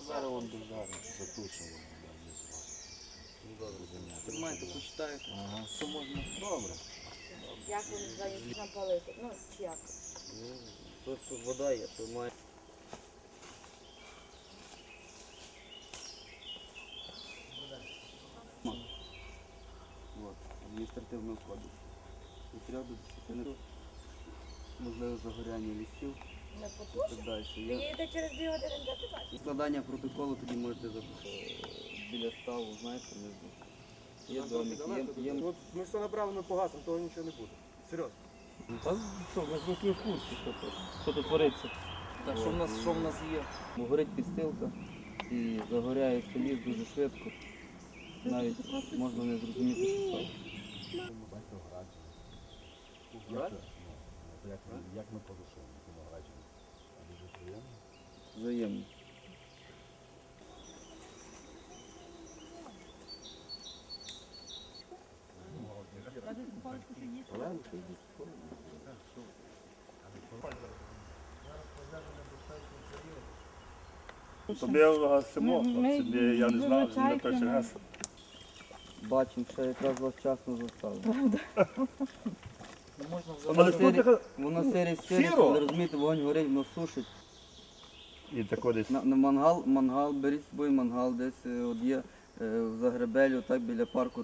Зараз вон державі, затушимо. Тримайте, почитайте, що можна. Добре. Як ви називаєте напалити? Ну, чи як? Тут вода є, то має. Адміністративного кодексу. Від 3 до 10 років. Можливо, загоряння лісів Не і потушить? так далі. Ви Є їдете через 2 години, де ти бачиш? складання протоколу, тоді можете біля ставу, знаєте, внизу. Є домик, є. Ми все направимо, погасимо, того нічого не буде. Серйозно. Та що, ми ж в курсі, що тут твориться. Так, що в нас є? Бо горить підстилка і загоряється ліс дуже швидко. Навіть можна не зрозуміти, що стало. Як ми порушуємо цьому граджені? Дуже приємно. Взаємно. Тобі гасимо, собі, я не знав, не перший раз. Бачимо, що якраз вас вчасно застали. Але тут Воно сире, Сіро? але розумієте, вогонь горить, воно сушить. і тако десь. На мангал, беріть з собою мангал, десь от є в Загребелю, так біля парку